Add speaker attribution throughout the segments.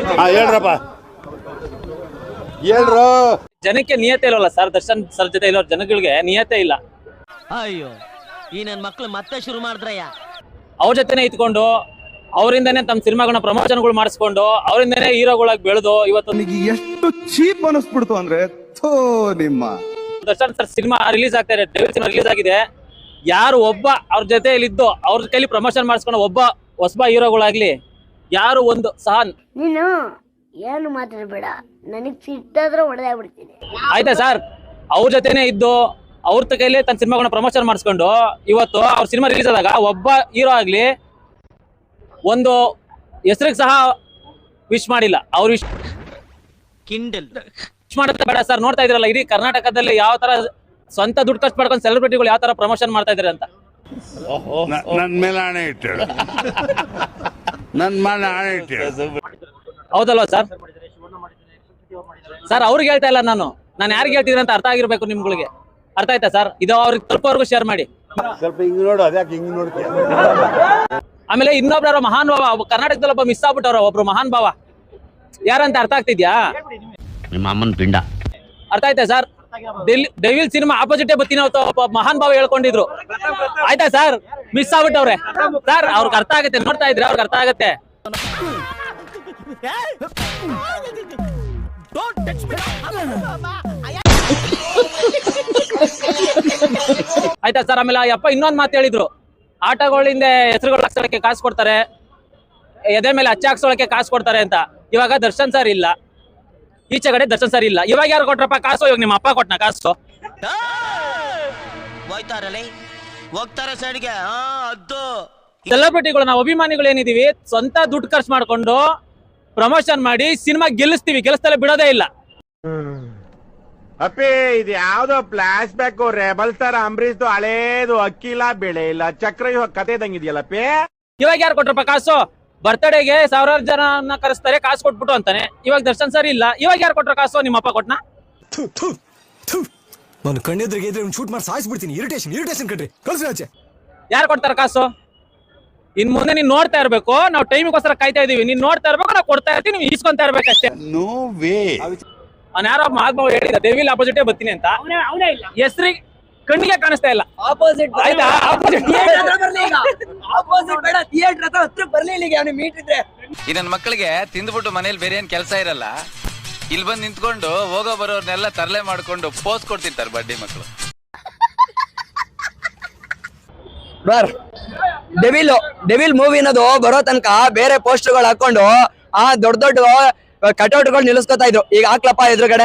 Speaker 1: ಹೇಳ್ರಪ್ಪ ಹೇಳ್ರು.
Speaker 2: ಜನಕ್ಕೆ ನಿಯತೆ ಇಲ್ಲವಲ್ಲ sir, Darshan sir ಜೊತೆ ಇರೋ ಜನಗಳಿಗೆ ನಿಯತೆ ಇಲ್ಲ.
Speaker 3: ಅಯ್ಯೋ ಈ ನನ್ ಮಕ್ಳು ಮತ್ತೆ ಶುರು ಮಾಡಿದ್ರಯ್ಯ.
Speaker 2: ಅವ್ರ ಜೊತೆನೆ ಇದ್ಕೊಂಡು ಅವರಿಂದನೇ ತಮ್ಮ ಸಿನಿಮಾಗಳನ್ನ ಪ್ರಮೋಷನ್ಗಳು ಮಾಡಿಸ್ಕೊಂಡು ಅವರಿಂದನೇ ಹೀರೋಗಳಾಗಿ ಬೆಳೆದು ಇವತ್ತು
Speaker 4: ಎಷ್ಟು ಚೀಪ್ ಅನಿಸ್ಬಿಡ್ತು ಅಂದ್ರೆ ನಿಮ್ಮ
Speaker 2: ದರ್ಶನ್ ಸರ್ ಸಿನಿಮಾ ರಿಲೀಸ್ ಆಗ್ತಾ ಇದೆ, ಡೆವಿಲ್ ಸಿನಿಮಾ ರಿಲೀಸ್ ಆಗಿದೆ. ಯಾರು ಒಬ್ಬ ಅವ್ರ ಜೊತೆಯಲ್ಲಿದ್ದು ಅವ್ರ ಕೈಲಿ ಪ್ರಮೋಷನ್ ಮಾಡಿಸ್ಕೊಂಡು ಒಬ್ಬ ಹೊಸಬ ಹೀರೋಗಳಾಗ್ಲಿ ಯಾರು ಒಂದು ಸಹ
Speaker 5: ನೀನು ಏನು ಮಾತಾಡಬೇಡ, ನನಗೆ ಸಿಟ್ಟಾದ್ರೆ ಹೊಡೆದಾಗ್ಬಿಡ್ತೀನಿ.
Speaker 2: ಆಯ್ತಾ ಸರ್, ಅವ್ರ ಜೊತೆನೆ ಇದ್ದು ಅವ್ರ ಕೈಲಿ ತನ್ನ ಸಿನಿಮಾಗಳನ್ನ ಪ್ರಮೋಷನ್ ಮಾಡಿಸ್ಕೊಂಡು ಇವತ್ತು ಅವ್ರ ಸಿನಿಮಾ ರಿಲೀಸ್ ಆದಾಗ ಒಬ್ಬ ಹೀರೋ ಆಗ್ಲಿ ಒಂದು ಹೆಸರಿಗೆ ಸಹ ವಿಶ್ ಮಾಡಿಲ್ಲ. ಅವ್ರು ವಿಶ್ ಮಾಡುತ್ತೆ ಬೇಡ ಸರ್. ನೋಡ್ತಾ ಇದ್ರಲ್ಲ ಇಡೀ ಕರ್ನಾಟಕದಲ್ಲಿ ಯಾವ ತರ ಸ್ವಂತ ದುಡ್ಡು ಖರ್ಚು ಮಾಡ್ಕೊಂಡು ಸೆಲೆಬ್ರಿಟಿಗಳು ಯಾವ ತರ ಪ್ರಮೋಷನ್ ಮಾಡ್ತಾ ಇದಾರೆ ಅಂತ.
Speaker 1: ನನ್ ಮೇಲೆ ಹಣೆ ಇಟ್ಟೇಳು, ನನ್ ಮೇಲೆ ಹಣೆ ಇಟ್ಟೇಳು.
Speaker 2: ಹೌದಲ್ವಾ ಸರ್? ಸರ್ ಅವ್ರಿಗೆ ಹೇಳ್ತಾ ಇಲ್ಲ, ನಾನು ಯಾರಿಗೆ ಹೇಳ್ತಿದ್ರೆ ಅಂತ ಅರ್ಥ ಆಗಿರ್ಬೇಕು ನಿಮ್ಗಳಿಗೆ. ಅರ್ಥ ಆಯ್ತಾ ಸರ್? ಇದು ಅವ್ರಿಗೆ ತಲುಪೋರ್ಗು ಶೇರ್ ಮಾಡಿ.
Speaker 1: ಸ್ವಲ್ಪ ಹಿಂಗ್ ನೋಡು, ಅದ್ಯಾಕೆ ಹಿಂಗ್ ನೋಡ್ತೀಯ?
Speaker 2: ಆಮೇಲೆ ಇನ್ನೊಬ್ರು ಮಹಾನ್ ಭಾವ ಕರ್ನಾಟಕದಲ್ಲಿ ಒಬ್ಬ ಮಿಸ್ ಆಗ್ಬಿಟ್ಟವ್ರ, ಒಬ್ರು ಮಹಾನ್ ಭಾವ ಯಾರಂತ ಅರ್ಥ ಆಗ್ತಿದ್ಯಾ?
Speaker 3: ನಿಮ್ಮ ಅಮ್ಮನ ಪಿಂಡ.
Speaker 2: ಅರ್ಥ ಆಯ್ತಾ ಸರ್? ಡೆವಿಲ್ ಸಿನಿಮಾ ಆಪೋಸಿಟ್ ಬತ್ತೀನಿ ಒಬ್ಬ ಮಹಾನ್ ಭಾವ ಹೇಳ್ಕೊಂಡಿದ್ರು. ಆಯ್ತಾ ಸರ್? Miss ಆಗ್ಬಿಟ್ಟವ್ರೆ sir. ಅವ್ರಿಗೆ ಅರ್ಥ ಆಗುತ್ತೆ, ನೋಡ್ತಾ ಇದ್ರೆ ಅವ್ರಿಗೆ ಅರ್ಥ ಆಗುತ್ತೆ. ಆಯ್ತಾ ಸರ್? ಆಮೇಲೆ ಅಪ್ಪ ಇನ್ನೊಂದ್ ಮಾತು ಹೇಳಿದ್ರು, ಆಟಗಳಿಂದ ಹೆಸರುಗಳು ಹಾಕ್ಸೋಳಕ್ಕೆ ಕಾಸು ಕೊಡ್ತಾರೆ, ಎದೆ ಮೇಲೆ ಅಚ್ಚ ಹಾಕ್ಸೋಳಕ್ಕೆ ಕಾಸು ಕೊಡ್ತಾರೆ ಅಂತ. ಇವಾಗ ದರ್ಶನ್ ಸರ್ ಇಲ್ಲ, ಈಚೆ ಕಡೆ ದರ್ಶನ್ ಸರ್ ಇಲ್ಲ. ಇವಾಗ ಯಾರು ಕೊಟ್ರಪ್ಪ ಕಾಸು? ಇವಾಗ ನಿಮ್ಮ ಅಪ್ಪ ಕೊಟ್ನ ಕಾಸು?
Speaker 3: ಹೋಗ್ತಾರೆ ಸೈಡ್ಗೆ.
Speaker 2: ಸೆಲೆಬ್ರಿಟಿಗಳು ನಾವು ಅಭಿಮಾನಿಗಳು ಏನಿದೀವಿ, ಸ್ವಂತ ದುಡ್ಡು ಖರ್ಚು ಮಾಡ್ಕೊಂಡು ಪ್ರಮೋಷನ್ ಮಾಡಿ ಸಿನಿಮಾ ಗೆಲ್ಲಿಸ್ತೀವಿ, ಗೆಲ್ಲಿಸ್ತಲೇ ಬಿಡೋದೇ ಇಲ್ಲ.
Speaker 6: ಅಪ್ಪಿ ಇದು ಯಾವ್ದೋ ಫ್ಲಾಶ್ ಬ್ಯಾಕ್ ರೆಬಲ್ ತರ ಅಂಬರೀಶ್ದು ಹಳೇದು ಅಕ್ಕಿ ಇಲ್ಲ ಬೆಳೆ ಇಲ್ಲ ಚಕ್ರ ಕತೆ ಇದಂಗಿದೆಯಲ್ಲಪ್ಪಿ.
Speaker 2: ಇವಾಗ ಯಾರು ಕೊಟ್ರಪ್ಪ ಕಾಸು? ಬರ್ತ್ಡೇಗೆ ಸಾವಿರಾರು ಜನ ಕರೆಸ್ತಾರೆ, ಕಾಸು ಕೊಟ್ಬಿಟ್ಟು ಅಂತಾನೆ. ಇವಾಗ ದರ್ಶನ್ ಸರ್ ಇಲ್ಲ, ಇವಾಗ ಯಾರು ಕೊಟ್ರ ಕಾಸು? ನಿಮ್ಮಪ್ಪ ಕೊಟ್ನ?
Speaker 7: ನಾನು ಕಣ್ಣೆದ್ರಿಗೆ ಇದ್ರೆ ಶೂಟ್ ಮಾಡಿ ಸಾಯಿಸ್ಬಿಡ್ತೀನಿ. ಇರಿಟೇಷನ್ ಕಟ್ರಿ, ಕಳ್ಸಿ ಆಚೆ.
Speaker 2: ಯಾರು ಕೊಡ್ತಾರ ಕಾಸು? ಇನ್ ಮುಂದೆ ನೀನ್ ನೋಡ್ತಾ ಇರ್ಬೇಕು, ನಾವು ಟೈಮಿಗೋಸ್ಕರ ಕಾಯ್ತಾ ಇದೀವಿ. ನೀನ್ ನೋಡ್ತಾ ಇರ್ಬೇಕು, ನಾವು ಕೊಡ್ತಾ ಇರ್ತೀವಿ, ನೀವು ಈಸ್ಕೊಂತಾ ಇರ್ಬೇಕಷ್ಟೇ.
Speaker 1: No way.
Speaker 2: ಅವ್ನು ಯಾರೋ ಮಹಾತ್ಮ ಹೇಳಿದ ಡೆವಿಲ್ ಆಪೋಸಿಟೇ ಬರ್ತೀನಿ ಅಂತ. ಹೆಸರಿಗೆ ಕಣ್ಣಿಗೆ ಕಾಣಿಸ್ತಾ ಇಲ್ಲ. ಆಪೋಸಿಟ್ ಆಯ್ತಾ?
Speaker 8: ಈ ನನ್ನ ಮಕ್ಕಳಿಗೆ ತಿಂದ್ಬಿಟ್ಟು ಮನೇಲಿ ಬೇರೆ ಏನ್ ಕೆಲಸ ಇರಲ್ಲ, ಇಲ್ಲಿ ಬಂದು ನಿಂತ್ಕೊಂಡು ಹೋಗೋ ಬರೋರ್ನೆಲ್ಲ ತರಲೆ ಮಾಡ್ಕೊಂಡು ಪೋಸ್ ಕೊಡ್ತಿರ್ತಾರೆ ಬಡ್ಡಿ ಮಕ್ಕಳು.
Speaker 9: ಡೆವಿಲ್ ಮೂವಿ ಅನ್ನೋದು ಬರೋ ತನಕ ಬೇರೆ ಪೋಸ್ಟರ್ಗಳು ಹಾಕೊಂಡು ದೊಡ್ಡ ಕಟೌಟ್ಗಳು ನಿಲ್ಲಿಸ್ಕೊತಾ ಇದ್ರು. ಈಗ ಹಾಕ್ಲಪ್ಪ ಎದುರುಗಡೆ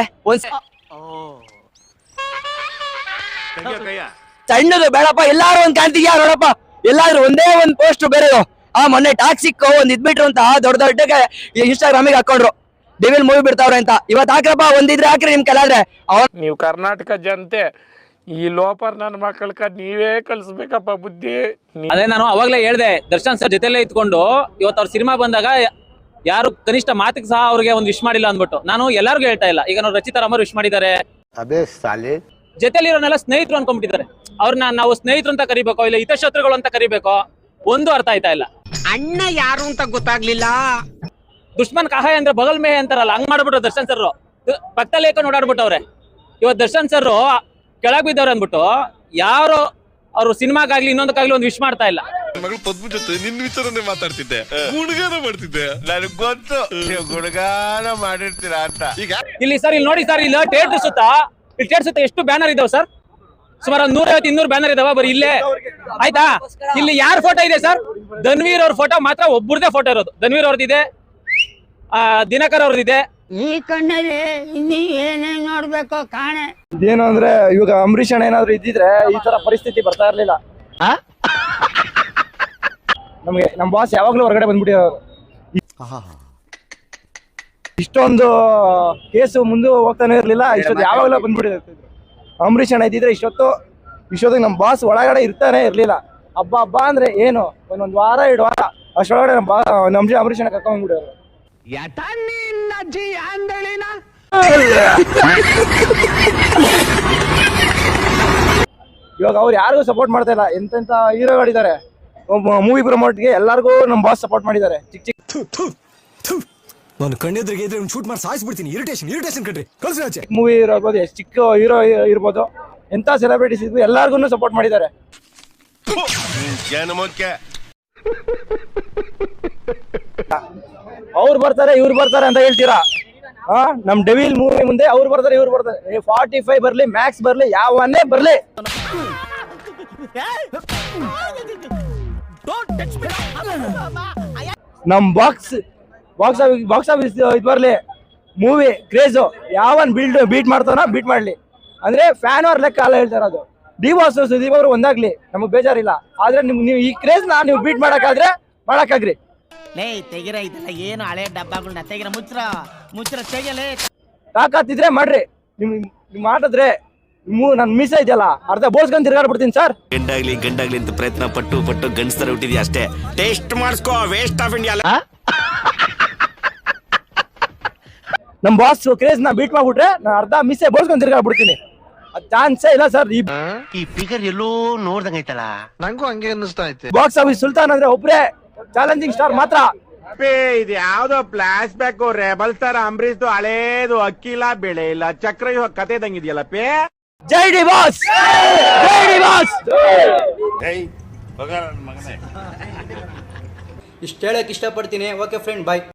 Speaker 9: ಸಣ್ಣದು ಬೇಡಪ್ಪ, ಎಲ್ಲಾರು ಒಂದ್ ಕಾಣ್ತಿದ್ಯಾ ನೋಡಪ್ಪ, ಎಲ್ಲಾದ್ರೂ ಒಂದೇ ಒಂದ್ ಪೋಸ್ಟ್ ಬೇರೆ. ಮೊನ್ನೆ ಟಾಕ್ಸಿಕ್ ಒಂದ್ ಇದ್ಬಿಟ್ರು ಅಂತ ದೊಡ್ಡ ಇನ್ಸ್ಟಾಗ್ರಾಮಿಗೆ ಹಾಕೊಂಡ್ರು, ಡೆವಿಲ್ ಮೂವಿ ಬಿಡ್ತಾವ್ರೆ ಅಂತ. ಇವತ್ತು ಹಾಕ್ರಪ್ಪ, ಒಂದಿದ್ರೆ ಹಾಕ್ರಿ ನಿಮ್ ಕೆಲಾದ್ರೆ.
Speaker 6: ನೀವು ಕರ್ನಾಟಕ ಜನತೆ ಈ ಲೋಪರ್ ನನ್ನ ಮಕ್ಕಳಕ ನೀವೇ ಕಲ್ಸ್ಬೇಕಪ್ಪ ಬುದ್ಧಿ.
Speaker 2: ಅದೇ ನಾನು ಅವಾಗ್ಲೇ ಹೇಳ್ದೆ, ದರ್ಶನ್ ಸರ್ ಜೊತೆಲೇ ಇದ್ಕೊಂಡು ಇವತ್ತು ಅವ್ರ ಸಿನಿಮಾ ಬಂದಾಗ ಯಾರು ಕನಿಷ್ಠ ಮಾತಿಗೆ ಸಹ ಅವ್ರಿಗೆ ಒಂದು ವಿಶ್ ಮಾಡಿಲ್ಲ ಅಂದ್ಬಿಟ್ಟು. ನಾನು ಎಲ್ಲರಿಗೂ ಹೇಳ್ತಾ ಇಲ್ಲ. ಈಗ ನಾವು ರಚಿತಾ ರಾಮರು ವಿಶ್ ಮಾಡಿದ್ದಾರೆ, ಜೊತೆಲಿರೋನೆಲ್ಲ ಸ್ನೇಹಿತರು ಅನ್ಕೊಂಡ್ಬಿಟ್ಟಿದ್ದಾರೆ. ಅವ್ರನ್ನ ನಾವು ಸ್ನೇಹಿತರು ಅಂತ ಕರಿಬೇಕೋ ಇಲ್ಲ ಹಿತಶತ್ರುಗಳು ಅಂತ ಕರಿಬೇಕೋ ಒಂದು ಅರ್ಥ ಆಯ್ತಾ ಇಲ್ಲ.
Speaker 3: ಅಣ್ಣ ಯಾರು ಅಂತ ಗೊತ್ತಾಗ್ಲಿಲ್ಲ.
Speaker 2: ದುಶ್ಮನ್ ಕಹಾಯ ಅಂದ್ರೆ ಬಗಲ್ ಮೇ ಅಂತಾರಲ್ಲ, ಹಂಗ್ ಮಾಡ್ಬಿಟ್ರು ದರ್ಶನ್ ಸರ್. ಪಕ್ಕದಲ್ಲಿ ಏಕ ಓಡಾಡ್ಬಿಟ್ಟವ್ರೆ. ಇವತ್ತು ದರ್ಶನ್ ಸರ್ ಕೆಳಗ್ ಬಿದ್ದವ್ರೆ ಅಂದ್ಬಿಟ್ಟು ಯಾರು ಅವ್ರು ಸಿನಿಮಾಗಾಗ್ಲಿ ಇನ್ನೊಂದಕ್ಕಾಗ್ಲಿ ಒಂದು ವಿಶ್ ಮಾಡ್ತಾ ಇಲ್ಲ.
Speaker 4: ಮಗಳು ಪದ್ಮ ಜೊತೆ ನಿನ್ನ ವಿಚಾರನೆ ಮಾತಾಡ್ತಿದ್ದೆ, ಗುಣಗಾನ ಮಾಡ್ತಿದ್ದೆ.
Speaker 6: ನನಗ್ ಗೊತ್ತು ನೀವು ಗುಣಗಾನ ಮಾಡಿರ್ತೀರಾ ಅಂತ. ಈಗ
Speaker 2: ಇಲ್ಲಿ ಸರ್, ಇಲ್ಲಿ ನೋಡಿ ಸರ್, ಇಲ್ಲಿ ಥಿಯೇಟರ್ ಸುತ್ತ ಎಷ್ಟು ಬ್ಯಾನರ್ ಇದಾವೆ ಸರ್? ಸುಮಾರು 150-200 ಬ್ಯಾನರ್ ಇದಾವ ಬರೀ ಇಲ್ಲೇ. ಆಯ್ತಾ? ಇಲ್ಲಿ ಯಾರ ಫೋಟೋ ಇದೆ ಸರ್? ಧನ್ವೀರ್ ಅವ್ರ ಫೋಟೋ ಮಾತ್ರ ಒಬ್ಬರದೇ ಫೋಟೋ ಇರೋದು. ಧನ್ವೀರ್ ಅವ್ರದ್ದಿದೆ, ದಿನಕರ್ ಅವ್ರದ್ದಿದೆ.
Speaker 5: ಈ ಕಣ್ಣಲ್ಲಿ ಇನ್ನೀ ಏನೇನ್ ನೋಡ್ಬೇಕೋ ಕಾಣೆ.
Speaker 9: ಏನು ಅಂದ್ರೆ ಇವಾಗ ಅಂಬರೀಷ್ ಅಣ್ಣ ಏನಾದ್ರು ಇದ್ದಿದ್ರೆ ಈ ತರ ಪರಿಸ್ಥಿತಿ ಬರ್ತಾ ಇರ್ಲಿಲ್ಲ. ನಮ್ಗೆ ನಮ್ ಬಾಸ್ ಯಾವಾಗ್ಲೂ ಹೊರಗಡೆ ಬಂದ್ಬಿಟ್ಟಿರೋರು. ಇಷ್ಟೊಂದು ಕೇಸು ಮುಂದೆ ಹೋಗ್ತಾನೆ ಇರ್ಲಿಲ್ಲ, ಇಷ್ಟೊತ್ತು ಯಾವಾಗಲೂ ಬಂದ್ಬಿಟ್ಟಿರ್ತಿದ್ರು. ಅಂಬರೀಷ್ ಅಣ್ಣ ಇದ್ದಿದ್ರೆ ಇಷ್ಟೊತ್ತಿಗೆ ನಮ್ ಬಾಸ್ ಒಳಗಡೆ ಇರ್ತಾನೆ ಇರ್ಲಿಲ್ಲ. ಹಬ್ಬ ಅಂದ್ರೆ ಏನು, ಒಂದೊಂದು ವಾರ 2 ವಾರ ಅಷ್ಟೊಳಗಡೆ ನಮ್ ಅಂಬರೀಷ್ ಅಣ್ಣ ಕರ್ಕೊಂಡ್ಬಿಡೋರು. ಇವಾಗ ಅವ್ರು ಯಾರಿಗೂ ಸಪೋರ್ಟ್ ಮಾಡ್ತಾ ಇಲ್ಲ. ಎಂತೆಂತ ಹೀರೋಗಳಿದ್ದಾರೆ ಮೂವಿ ಪ್ರಮೋಟ್ಗೆ, ಎಲ್ಲರಿಗೂ ನಮ್ ಬಾಸ್ ಸಪೋರ್ಟ್ ಮಾಡಿದ್ದಾರೆ. ಚಿಕ್ಕ
Speaker 7: ನಾನು ಕಣ್ಣೆದ್ರಿಗೆ ಇದ್ರೆ ಒಂದು ಶೂಟ್ ಮಾಡಿ ಸಾಯಿಸ್ಬಿಡ್ತೀನಿ. ಇರಿಟೇಷನ್ ಕಣ್ರಿ, ಕಳ್ಸಿ ಆಚೆ.
Speaker 9: ಮೂವಿ ಇರ್ಬೋದು, ಎಷ್ಟು ಚಿಕ್ಕ ಹೀರೋ ಇರ್ಬೋದು, ಎಂತ ಸೆಲೆಬ್ರಿಟೀಸ್ ಇದ್ರು ಎಲ್ಲಾರ್ಗು ಸಪೋರ್ಟ್ ಮಾಡಿದ್ದಾರೆ. ಅವ್ರು ಬರ್ತಾರೆ ಇವ್ರು ಬರ್ತಾರೆ ಅಂತ ಹೇಳ್ತೀರಾ? ನಮ್ ಡೆವಿಲ್ ಮೂವಿ ಮುಂದೆ ಅವ್ರು ಬರ್ತಾರೆ ಇವ್ರು ಬರ್ತಾರೆ. 45 ಬರ್ಲಿ, ಮ್ಯಾಕ್ಸ್ ಬರ್ಲಿ, ಯಾವನ್ನೇ ಬರ್ಲಿ, ನಮ್ ಬಾಕ್ಸ್ ಆಫೀಸ್ ಇದು ಬರ್ಲಿ, ಮೂವಿ ಕ್ರೇಜ್ ಯಾವನ್ ಬೀಟ್ ಮಾಡ್ತಾನೋ ಬೀಟ್ ಮಾಡ್ಲಿ ಅಂದ್ರೆ ಫ್ಯಾನ್ ಅವ್ರ ಲೆಕ್ಕ ಅಲ್ಲ ಹೇಳ್ತಾರ. ಅದು ಡಿವಾಸ್ ಸುದೀಪ್ ಅವರು ಒಂದಾಗ್ಲಿ ನಮಗ್ ಬೇಜಾರಿಲ್ಲ. ಆದ್ರೆ ನೀವು ಈ ಕ್ರೇಜ್ ನ ನೀವು ಬೀಟ್ ಮಾಡಕ್ಕಾಗ್ರಿ.
Speaker 3: ಲೇ ತೆಗಿರ ಇದೆಲ್ಲ ಏನು ಹಳೆ ಡಬ್ಬಗಳನ್ನ ತೆಗಿರ ಮುಚ್ರ ತೆಗಿಯಲೇ.
Speaker 9: ತಾಕತ್ತಿದ್ರೆ ಮಾಡ್ರಿ. ನಿಮ್ ಮಾಡಿದ್ರೆ ನನ್ ಮೀಸ ಇದೆಯಲ್ಲ ಅರ್ಧ ಬೋಳ್ಸ್ಕೊಂಡ್ ತಿರ್ಗಾಡ್ಬಿಡ್ತೀನಿ ಸರ್.
Speaker 10: ಗಂಡಾಗ್ಲಿ ಅಂತ ಪ್ರಯತ್ನ ಪಟ್ಟು ಗಂಡಸ್ತರ ಹುಟ್ಟಿದ್ಯಾ ಅಷ್ಟೇ. ಟೇಸ್ಟ್ ಮಾಡಿಸ್ಕೋ, ವೇಸ್ಟ್ ಆಫ್ ಇಂಡಿಯಾ.
Speaker 9: ನಮ್ ಬಾಸ್ ಕ್ರೇಜ್ ನ ಬೀಟ್ ಮಾಡ್ಬಿಟ್ರೆ ನಾನು ಅರ್ಧ ಮಿಸ್ಸೆ ಬೋಳ್ಸ್ಕೊಂಡ್ ತಿರ್ಗಾಡ್ಬಿಡ್ತೀನಿ. ಚಾನ್ಸೇ ಇಲ್ಲ ಸರ್.
Speaker 10: ಈ ಫಿಗರ್ ಎಲ್ಲೋ ನೋಡ್ದಂಗೈತಲ್ಲ, ನಂಗೂ ಹಂಗೆ ಅನ್ನಿಸ್ತಾ ಐತೆ.
Speaker 9: ಬಾಕ್ಸ್ ಆಫೀಸ್ ಸುಲ್ತಾನ್ ಅಂದ್ರೆ ಒಬ್ರೇ ಚಾಲೆಂಜಿಂಗ್ ಸ್ಟಾರ್ ಮಾತ್ರ.
Speaker 6: ಇದು ಯಾವ್ದೋ flashback rebel star Ambareesh ಹಳೇದು ಅಕ್ಕಿ ಇಲ್ಲ ಬೆಳೆ ಇಲ್ಲ ಚಕ್ರವ್ಯೂಹ ಕತೆ ಇದಂಗಿದೆಯಲ್ಲ ಪೇ.
Speaker 9: ಜೈ ಡಿ ಬಾಸ್, ಜೈ ಡಿ ಬಾಸ್.
Speaker 1: ಜೈ ಮಗನೇ.
Speaker 11: ಇಷ್ಟು ಹೇಳಕ್ ಇಷ್ಟಪಡ್ತೀನಿ. ಓಕೆ ಫ್ರೆಂಡ್, ಬಾಯ್.